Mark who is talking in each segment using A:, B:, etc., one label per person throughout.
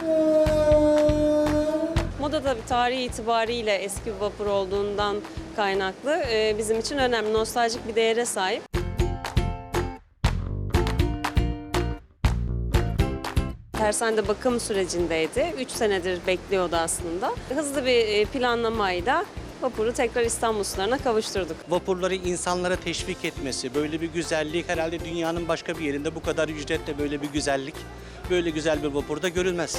A: Moda tabii tarihi itibariyle eski bir vapur olduğundan kaynaklı bizim için önemli, nostaljik bir değere sahip. Tersanede bakım sürecindeydi. 3 senedir bekliyordu aslında. Hızlı bir planlamayla vapuru tekrar İstanbul sularına kavuşturduk.
B: Vapurları insanlara teşvik etmesi, böyle bir güzellik herhalde dünyanın başka bir yerinde bu kadar ücretle böyle bir güzellik, böyle güzel bir vapurda görülmez.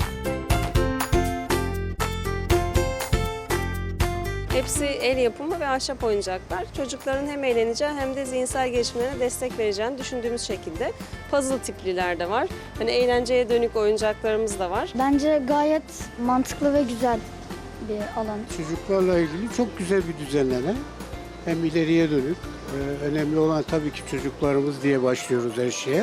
A: Hepsi el yapımı ve ahşap oyuncaklar. Çocukların hem eğleneceği hem de zihinsel gelişimlerine destek vereceğini düşündüğümüz şekilde puzzle tipliler de var. Hani eğlenceye dönük oyuncaklarımız da var.
C: Bence gayet mantıklı ve güzel bir alan.
D: Çocuklarla ilgili çok güzel bir düzenleme. Hem ileriye dönük. Önemli olan tabii ki çocuklarımız diye başlıyoruz her şeye.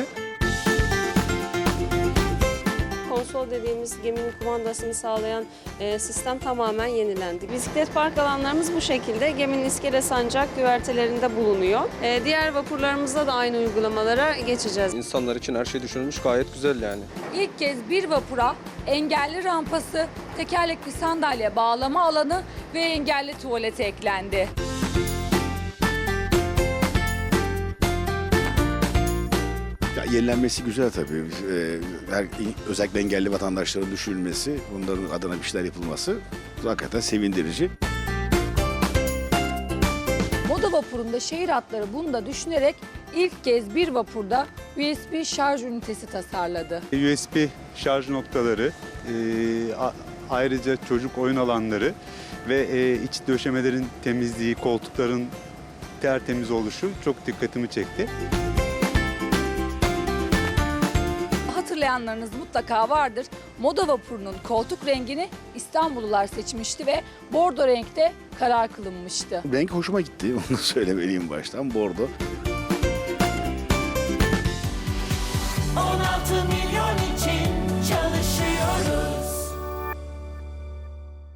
A: Konsol dediğimiz geminin kumandasını sağlayan sistem tamamen yenilendi. Bisiklet park alanlarımız bu şekilde. Geminin iskele sancak güvertelerinde bulunuyor. Diğer vapurlarımızda da aynı uygulamalara geçeceğiz.
E: İnsanlar için her şey düşünülmüş, gayet güzel yani.
F: İlk kez bir vapura engelli rampası, tekerlekli sandalye bağlama alanı ve engelli tuvaleti eklendi.
G: Ya, yenilenmesi güzel tabii. Özellikle engelli vatandaşların düşünülmesi, bunların adına bir şeyler yapılması hakikaten sevindirici.
F: Moda vapurunda şehir hatları bunu da düşünerek ilk kez bir vapurda USB şarj ünitesi tasarladı.
H: USB şarj noktaları, ayrıca çocuk oyun alanları ve iç döşemelerin temizliği, koltukların tertemiz oluşu çok dikkatimi çekti.
F: Hatırlayanlarınız mutlaka vardır. Moda vapurunun koltuk rengini İstanbullular seçmişti ve bordo renkte karar kılınmıştı.
G: Renk hoşuma gitti, onu söylemeliyim baştan, bordo.
I: 16